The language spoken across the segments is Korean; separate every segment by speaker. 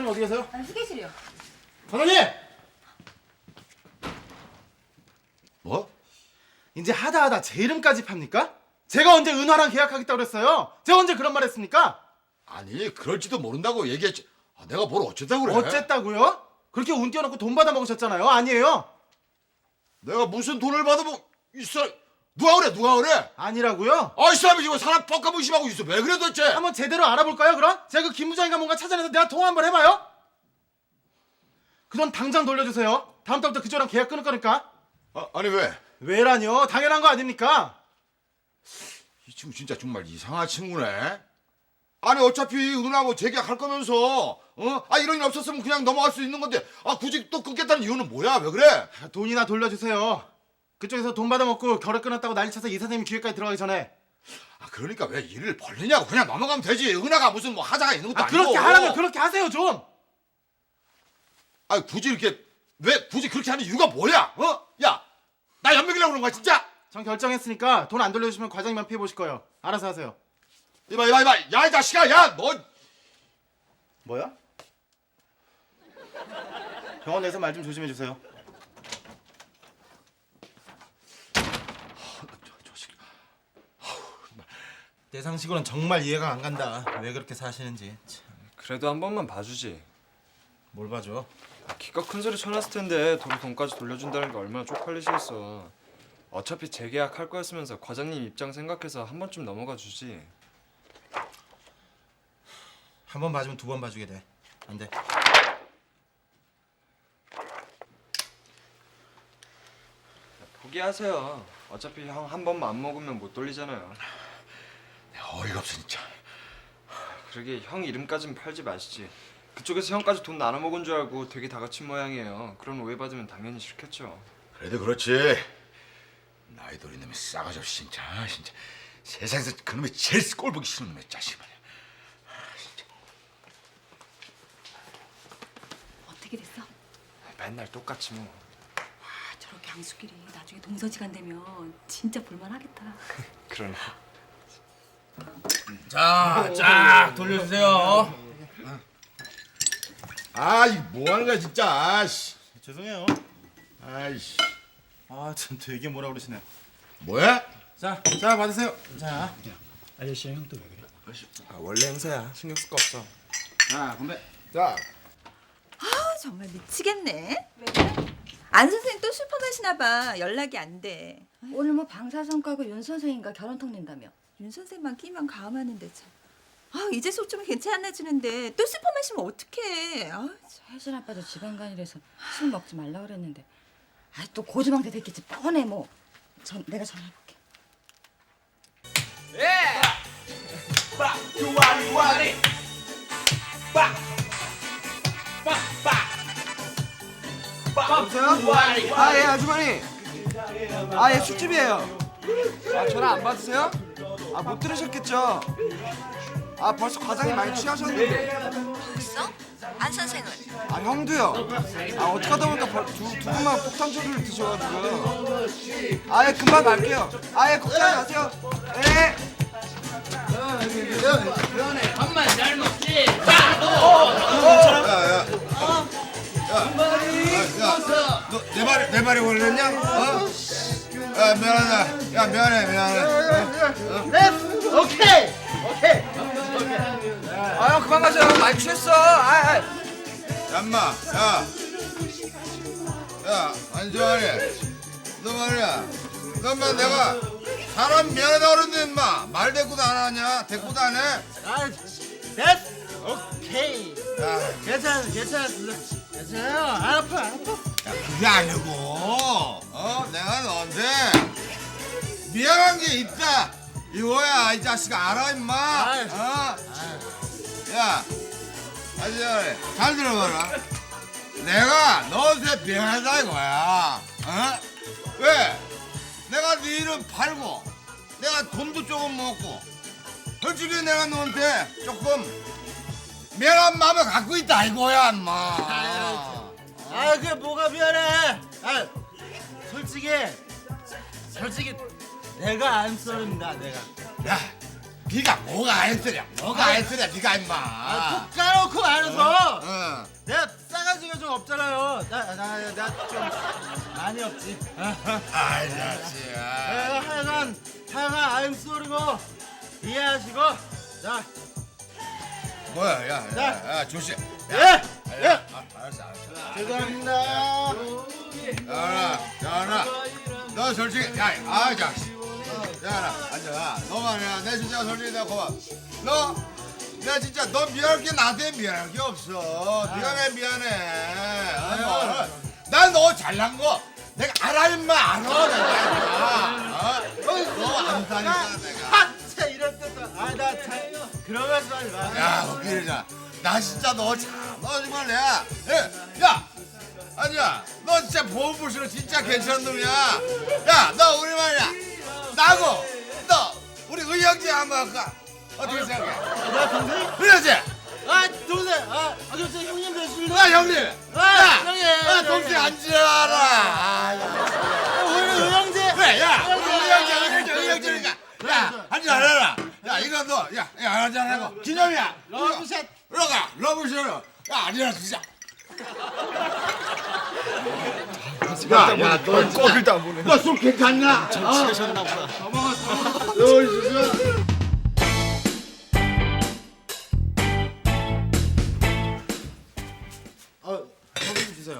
Speaker 1: 과장님 어디 계세요?
Speaker 2: 아니, 휴게실이요.
Speaker 1: 과장님!
Speaker 3: 뭐?
Speaker 1: 이제 하다 제 이름까지 팝니까? 제가 언제 은화랑 계약하겠다고 그랬어요? 제가 언제 그런 말 했습니까?
Speaker 3: 아니 그럴지도 모른다고 얘기했지. 내가 뭘 어쨌다고 그래?
Speaker 1: 어쨌다고요? 그렇게 운 띄워놓고 돈 받아 먹으셨잖아요. 아니에요?
Speaker 3: 내가 무슨 돈을 받아먹 있어? 누가 그래?
Speaker 1: 아니라고요?
Speaker 3: 이 사람이 지금 사람 뻑까 무심하고 있어. 왜 그래 도대체?
Speaker 1: 한번 제대로 알아볼까요 그럼? 제가 그 김 부장인가 뭔가 찾아내서 내가 통화 한번 해봐요. 그 돈 당장 돌려주세요. 다음 달부터 그쪽이랑 계약 끊을 거니까.
Speaker 3: 아니 왜?
Speaker 1: 왜라뇨? 당연한 거 아닙니까?
Speaker 3: 이 친구 진짜 정말 이상한 친구네. 아니 어차피 은하고 재계약할 거면서 이런 일 없었으면 그냥 넘어갈 수 있는 건데 굳이 또 끊겠다는 이유는 뭐야? 왜 그래?
Speaker 1: 돈이나 돌려주세요. 그쪽에서 돈 받아먹고 결혼 끊었다고 난리쳐서 이사장님 기회까지 들어가기 전에.
Speaker 3: 그러니까 왜 일을 벌리냐고. 그냥 넘어가면 되지. 은하가 무슨 뭐 하자가 있는 것도 아니고.
Speaker 1: 그렇게 하라면 그렇게 하세요 좀.
Speaker 3: 굳이 이렇게 왜 굳이 그렇게 하는 이유가 뭐야? 야, 나 연맥이라고 그런 거야 진짜.
Speaker 1: 전 결정했으니까 돈 안 돌려주시면 과장님만 피해 보실 거예요. 알아서 하세요.
Speaker 3: 이봐. 야, 이 자식아. 야, 너.
Speaker 1: 뭐야? 병원 내서 말 좀 조심해 주세요.
Speaker 3: 저 새끼.
Speaker 1: 내 상식으로는 정말 이해가 안 간다. 왜 그렇게 사시는지. 참.
Speaker 4: 그래도 한 번만 봐주지.
Speaker 1: 뭘 봐줘?
Speaker 4: 기껏 큰 소리 쳐놨을 텐데 도로 돈까지 돌려준다는 게 얼마나 쪽팔리시겠어. 어차피 재계약 할 거였으면서 과장님 입장 생각해서 한 번쯤 넘어가 주지.
Speaker 1: 한 번 봐주면 두 번 봐주게 돼. 안 돼.
Speaker 4: 포기하세요. 어차피 형 한 번만 안 먹으면 못 돌리잖아요.
Speaker 3: 어이가 없어 진짜.
Speaker 4: 그러게 형 이름까진 팔지 마시지. 그쪽에서 형까지 돈 나눠 먹은 줄 알고 되게 다그친 모양이에요. 그런 오해 받으면 당연히 싫겠죠.
Speaker 3: 그래도 그렇지. 나이 들인 놈이 싸가지 없이 진짜. 세상에서 그놈이 제일 꼴보기 싫은 놈의 자식 말이야. 진짜.
Speaker 2: 어떻게 됐어?
Speaker 4: 맨날 똑같이 뭐.
Speaker 2: 저렇게 앙숙끼리 나중에 동서지간 되면 진짜 볼만하겠다.
Speaker 4: 그러네.
Speaker 1: 쫙 돌려주세요.
Speaker 3: 이 뭐하는 거야 진짜. 아이씨.
Speaker 1: 죄송해요.
Speaker 3: 아이씨.
Speaker 1: 참 되게 뭐라 그러시네.
Speaker 3: 뭐야?
Speaker 1: 자 받으세요. 자.
Speaker 5: 아저씨랑 형 또 왜 그래?
Speaker 4: 원래 행사야. 신경 쓸 거 없어.
Speaker 1: 자 건배.
Speaker 3: 자.
Speaker 6: 정말 미치겠네. 왜 그래? 안 선생님 또 술 퍼마시나 봐. 연락이 안 돼.
Speaker 2: 오늘 뭐 방사선과고 윤 선생인가 결혼통 낸다며.
Speaker 6: 윤 선생만 끼면 가만한데 참. 이제 속 좀 괜찮아지는데 또 술 퍼마시면 어떡해.
Speaker 2: 혜진 아빠도 지방간이라서 술 먹지 말라 그랬는데. 또 고주망태 됐겠지 뻔해 뭐. 내가 전화해볼게.
Speaker 7: 여보세요? 예 아주머니. 예 술집이에요. 전화 안 받으세요? 못 들으셨겠죠? 벌써 과장이 많이 취하셨는데.
Speaker 6: 벌써? 안 선생은?
Speaker 7: 형도요. 어떡하다 보니까 두 분만 폭탄 소리를 드셔가지고요. 예 금방 갈게요. 예 걱정하지 마세요. 예.
Speaker 3: 내 말이 걸렸냐? 미안하다. 야 미안해.
Speaker 1: 오케이.
Speaker 7: 형 그만 가세요. 많이 취했어.
Speaker 3: 얌마. 야 안정환이. 너 말이야. 너만 내가 사람 미안하다 그러는데 인마 말 대꾸도 안 하냐? 대꾸도 안 해?
Speaker 1: 됐어. 오케이.
Speaker 3: 야,
Speaker 1: 괜찮아요. 안 아파.
Speaker 3: 그게 아니고 내가 너한테 미안한 게 있다 이거야. 이 자식아 알아 임마. 야 아저씨 잘 들어봐라. 내가 너한테 미안하다 이거야. 왜? 내가 네 이름 팔고 내가 돈도 조금 먹고 솔직히 내가 너한테 조금 미안한 마음을 갖고 있다 이거야 임마.
Speaker 1: 그게 뭐가 미안해. 솔직히 내가 안 썰은다 내가.
Speaker 3: 야, 네가 뭐가 안쓰냐? 네가 임마.
Speaker 1: 톡 까놓고 말해서 나 좀 많이 없지.
Speaker 3: 아이 자식아.
Speaker 1: 하여간 I'm sorry고 이해하시고. 자,
Speaker 3: 뭐야 야 조씨.
Speaker 1: 예.
Speaker 3: 알았어.
Speaker 1: 죄송합니다.
Speaker 3: 야나 너 솔직히 야 자식. 야나 앉아. 너 말이야 내 진짜 솔직히 내가 고마워. 내가 진짜 너 미안할 게 나한테 미안할 게 없어. 네가 왜 미안해? 난 너 잘난 거 내가 알아 임마 알아 내가. 너 안다니까 내가.
Speaker 1: 진짜 이럴 때도 나 참 그런 말씀 하지 마.
Speaker 3: 야 웃기자. 나 진짜 너 정말 내가 야 아니야 너 진짜 보험부시로 진짜 괜찮은 놈이야. 야 너 우리 말이야 나고 너 우리 의형제 한번 할까? 어떻게 생각해?
Speaker 1: 나 동생?
Speaker 3: 그러지?
Speaker 1: 동생. 그럼 저 형님 되실래?
Speaker 3: 형님.
Speaker 1: 형님.
Speaker 3: 동생 앉으라.
Speaker 1: 우리 의형제.
Speaker 3: 그래, 야, 의형제니까. 야, 앉으라. 야, 이거 너, 야, 앉으라고. 기념이야.
Speaker 1: 러브샷.
Speaker 3: 러브샷. 야, 앉으라 진짜. 야, 너 꼴도 안 보네. 너 술 괜찮냐?
Speaker 1: 취하셨나 보다.
Speaker 3: 너 있었어?
Speaker 1: 커피 주세요.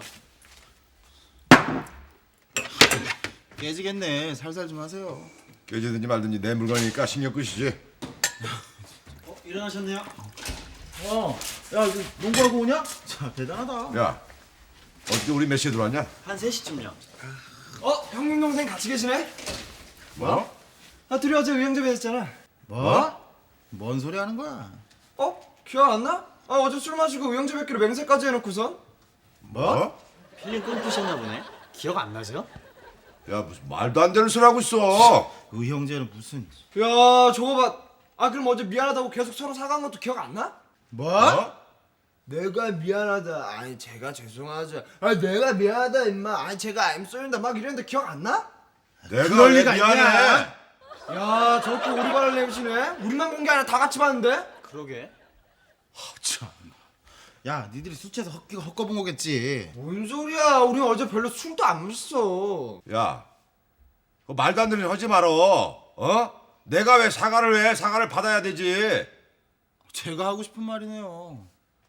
Speaker 1: 깨지겠네. 살살 좀 하세요.
Speaker 3: 깨지든지 말든지 내 물건이니까 신경 끄시지.
Speaker 5: 일어나셨네요?
Speaker 1: 야, 이거 농구하고 오냐? 자, 대단하다.
Speaker 3: 야, 어떻게 우리 몇 시에 들어왔냐?
Speaker 5: 한 3시쯤요.
Speaker 7: 형님 동생 같이 계시네?
Speaker 3: 뭐?
Speaker 7: 둘이 어제 의형제 뵀잖아.
Speaker 1: 뭐? 뭔 소리 하는 거야?
Speaker 7: 기억 안 나? 어제 술 마시고 의형제 뵙기로 맹세까지 해놓고선.
Speaker 3: 뭐?
Speaker 5: 필름 끊기셨나 보네. 기억 안 나세요?
Speaker 3: 야, 무슨 말도 안 되는 소리 하고 있어.
Speaker 1: 의형제는 무슨?
Speaker 7: 야 저거 봐. 그럼 어제 미안하다고 계속 서로 사과한 것도 기억 안 나?
Speaker 1: 뭐?
Speaker 7: 내가 미안하다. 아니 제가 죄송하죠. 내가 미안하다 임마. 아니 제가 I'm sorry다 막 이랬는데 기억 안 나?
Speaker 3: 내가
Speaker 1: 그럴
Speaker 3: 왜
Speaker 1: 리가
Speaker 3: 미안해?
Speaker 1: 있냐?
Speaker 7: 야 저렇게 오리발을 내미시네. 우리만 본 게 아니라 다 같이 봤는데.
Speaker 5: 그러게.
Speaker 1: 참. 야, 니들이 술 취해서 헛거본 거겠지.
Speaker 7: 뭔 소리야? 우리 어제 별로 술도 안 마셨어.
Speaker 3: 야, 그 말도 안 되는 소리 하지 말어. 내가 왜 사과를 해? 사과를 받아야 되지.
Speaker 1: 제가 하고 싶은 말이네요.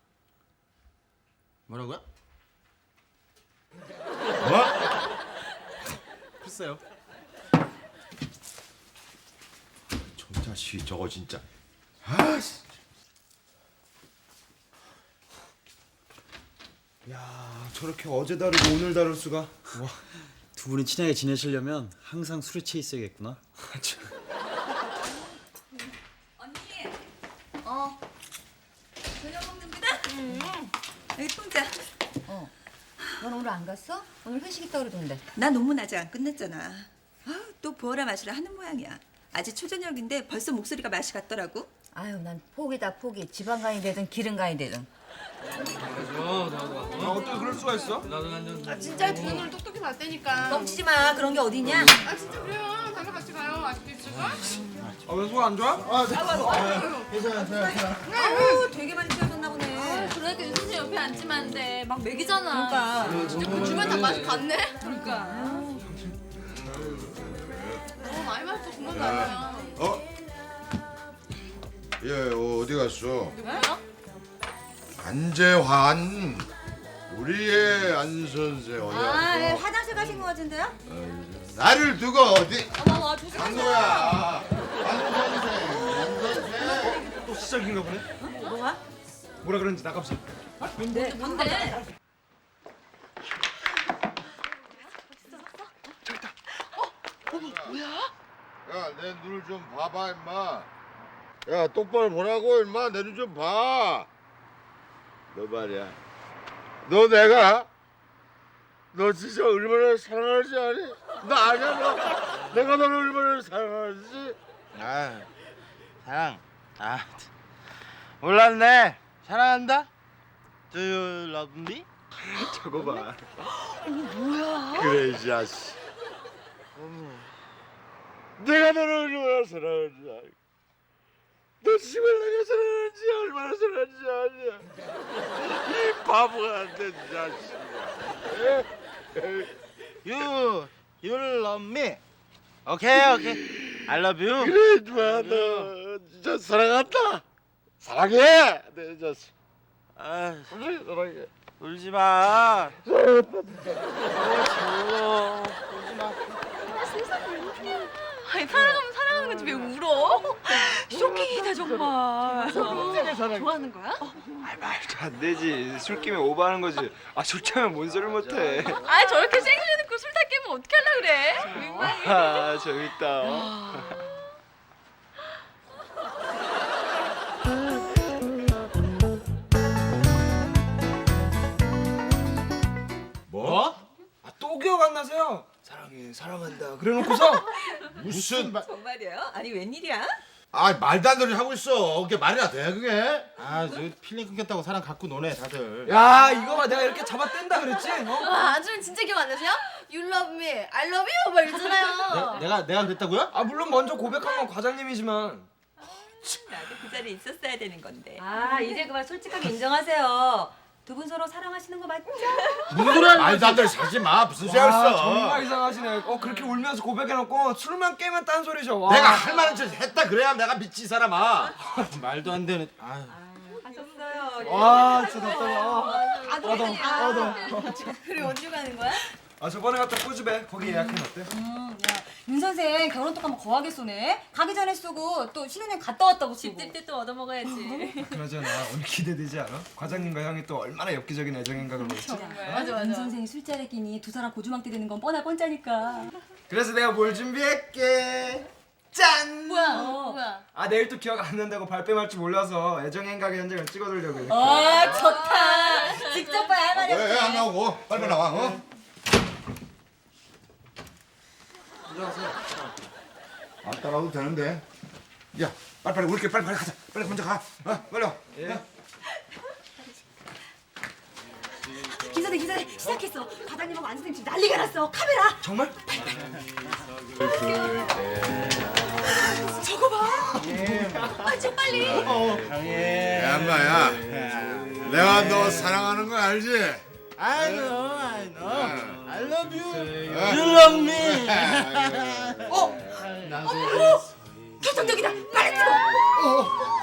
Speaker 1: 뭐라고요?
Speaker 3: 뭐?
Speaker 1: 글쎄요.
Speaker 3: 저 자식 저거 진짜. 아씨.
Speaker 7: 야 저렇게 어제 다르고 오늘 다를 수가.
Speaker 5: 두 분이 친하게 지내시려면 항상 술에 취해 있어야겠구나.
Speaker 6: 언니. 저녁 먹는구나. 여기 통장.
Speaker 2: 넌 오늘 안 갔어? 오늘 회식 있다 그러던데.
Speaker 6: 나 논문 아직 안 끝냈잖아. 또 부어라 마시라 하는 모양이야. 아직 초저녁인데 벌써 목소리가 맛이 갔더라고.
Speaker 2: 아유, 난 포기다 포기. 지방간이 되든 기름간이 되든.
Speaker 7: 어떻게 그럴 수가 있어?
Speaker 8: 진짜 두 눈을 똑똑히 봤다니까.
Speaker 2: 뻥치지 마. 그런 게 어디냐?
Speaker 8: 아 진짜 그래요. 다음에 같이 가요. 아직도 있을까?
Speaker 7: 왜 속 안 좋아?
Speaker 2: 아우, 되게 많이 취하셨나 보네.
Speaker 8: 그러니까 유선생 옆에 앉으면 안 돼. 막 먹이잖아.
Speaker 2: 그러니까.
Speaker 8: 진짜 그 주변 다 맛이 갔네. 그러니까. 많이 마셨어. 그만 가자.
Speaker 3: 얘 어디 갔어?
Speaker 8: 누구요?
Speaker 3: 안재환. 우리의 안 선생 어디 갔어?
Speaker 2: 화장실 가신 것 같은데요?
Speaker 3: 나를 두고 어디
Speaker 8: 어머,
Speaker 3: 간
Speaker 8: 조심하세요.
Speaker 3: 거야? 안 선생.
Speaker 7: 또 시작인가 보네.
Speaker 2: 뭐가?
Speaker 7: 뭐라 그러는지 나갑시다.
Speaker 8: 뭔데?
Speaker 3: 야, 내 눈을 좀 봐봐, 임마. 야, 똑바로 보라고, 임마. 내 눈 좀 봐. 너 말이야. 너 진짜 얼마나 사랑하지 아니? 너 아냐, 너? 내가 너를 얼마나 사랑하지?
Speaker 1: 사랑. 몰랐네. 사랑한다. Do you love me?
Speaker 3: 저거 봐. 그래, 이 자식. 내가 너를 얼마나 사랑하지 아니? 너 지금 내가 사랑하는지 얼마나 사랑하는지 아냐? 이 바보 같은 자식.
Speaker 1: You love me. 오케이. I love you.
Speaker 9: 그래 좋아 너 진짜 사랑한다. 사랑해. 내 자식.
Speaker 1: 아,
Speaker 9: 사랑해.
Speaker 1: 울지 마.
Speaker 8: 아니 사랑하면 사랑하는 거지 왜 울어? 쇼킹이다 정말. 좋아하는 거야?
Speaker 4: 말도 안 되지. 술 끼면 오버하는 거지. 술 취하면 뭔 소리를 못해.
Speaker 8: 아 저렇게 생일해놓고 술 다 깨면 어떻게 하려 그래? 민망해.
Speaker 4: 재밌다.
Speaker 1: 뭐?
Speaker 7: 또 기억 안 나세요? 사랑해 사랑한다 그래놓고서
Speaker 3: 무슨
Speaker 6: 정말이에요? 아니 웬일이야?
Speaker 3: 말도 안 되는 소리 하고 있어. 그게 말이나 돼 그게?
Speaker 1: 아, 저 필링 끊겼다고 사람 갖고 노네 다들.
Speaker 7: 야 이거 봐 내가 이렇게 잡아 뗀다 그랬지?
Speaker 8: 와 아줌마 진짜 기억 안 나세요? You love me, I love you 막 이러잖아요.
Speaker 1: 내가 그랬다고요?
Speaker 7: 물론 먼저 고백한 건 과장님이지만
Speaker 6: 나도 그 자리에 있었어야 되는 건데.
Speaker 2: 아 이제 그만 솔직하게 인정하세요. 두 분 서로 사랑하시는 거 맞죠?
Speaker 3: 무슨 소리 하는 말도 안 되는 소리 하지 마. 무슨 소리 했어?
Speaker 7: 정말 이상하시네. 그렇게 울면서 고백해놓고 술만 깨면 딴 소리죠. 와.
Speaker 3: 내가 할 만한 짓 했다 그래야 내가 믿지 이 사람아.
Speaker 1: 말도 안 되는. 아,
Speaker 2: 하셨어요.
Speaker 7: 와 진짜 답답해.
Speaker 8: 그래 언제 가는 거야?
Speaker 7: 저번에 갔던 꼬집에 거기 예약해놨대.
Speaker 2: 윤 선생 결혼 똑하면 거하게 쏘네. 가기 전에 쓰고 또 신혼여행 갔다 왔다고 쓰고.
Speaker 8: 집들 때 또 얻어먹어야지.
Speaker 7: 그러잖아. 오늘 기대되지 않아? 과장님과 형이 또 얼마나 엽기적인 애정인가 그러지.
Speaker 8: 맞아.
Speaker 2: 윤 선생이 술자리 끼니 두 사람 고주망태 되는 건 뻔할 뻔짜니까.
Speaker 7: 그래서 내가 뭘 준비했게. 짠!
Speaker 8: 뭐야?
Speaker 7: 내일 또 기억 안 난다고 발뺌할 줄 몰라서 애정행각의 현장을 찍어두려고 이렇게.
Speaker 2: 좋다. 직접 봐야 할 말이
Speaker 3: 왜 안 나오고? 빨리 나와. 안 따라와도 되는데. 야, 빨리 우리끼리 빨리 가자. 빨리 먼저 가. 빨리 와.
Speaker 2: 기사대 시작했어. 과장님하고 안 선생님 지금 난리가 났어. 카메라.
Speaker 7: 정말?
Speaker 2: 저거 봐. 좀 빨리.
Speaker 3: 야, 엄마야. 내가 너 사랑하는 거 알지?
Speaker 1: I know. I love you. You love me.
Speaker 2: 결정적이다. 빨리 찍어.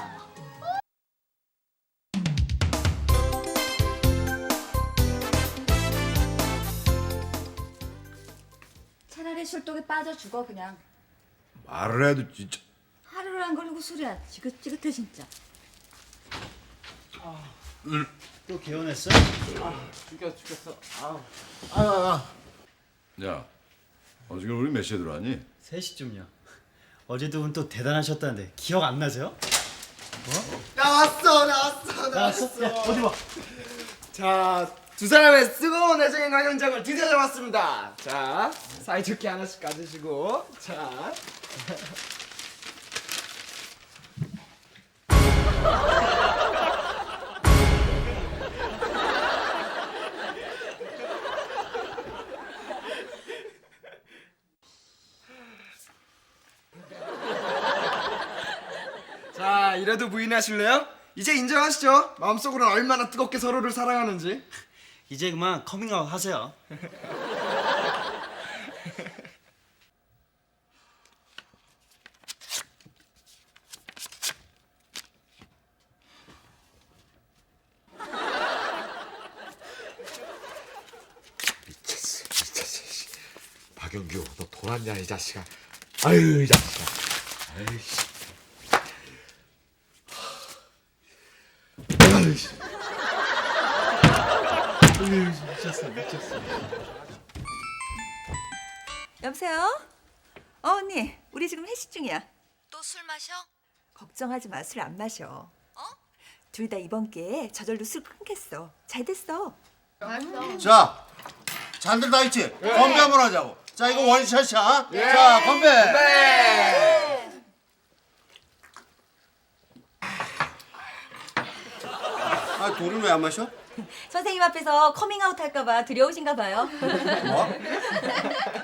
Speaker 2: 차라리 술독에 빠져 죽어 그냥.
Speaker 3: 말을 해도 진짜.
Speaker 2: 하루를 안 걸리고 술이야. 지긋지긋해 진짜.
Speaker 5: 또 개원했어?
Speaker 1: 죽였어.
Speaker 3: 야, 지금 우리 몇 시에 들어왔니?
Speaker 5: 3시쯤요. 어제 두 분 또 대단하셨다는데 기억 안 나세요?
Speaker 7: 나왔어.
Speaker 5: 나왔어? 야 어디 봐.
Speaker 7: 자, 두 사람의 뜨거운 애정행각 현장을 드디어 잡았습니다. 자, 사이좋게 하나씩 가지시고. 자. 자, 이래도 부인하실래요? 이제 인정하시죠? 마음속으로는 얼마나 뜨겁게 서로를 사랑하는지.
Speaker 5: 이제 그만 커밍아웃 하세요.
Speaker 9: 박영규 너 돌았냐 이 자식아. 아유 이 자식아. 아이씨.
Speaker 6: 여보세요? 언니, 우리 지금 회식 중이야.
Speaker 8: 또 술 마셔?
Speaker 6: 걱정하지 마, 술 안 마셔. 둘 다 이번 기회에 저절로 술 끊겠어. 잘 됐어.
Speaker 3: 자, 잔들 다 있지? 건배 한번 하자고. 자, 이거 원샷이야. 자, 건배.
Speaker 1: 돌은 왜 안 마셔?
Speaker 2: 선생님 앞에서 커밍아웃 할까봐 두려우신가 봐요.
Speaker 3: 뭐?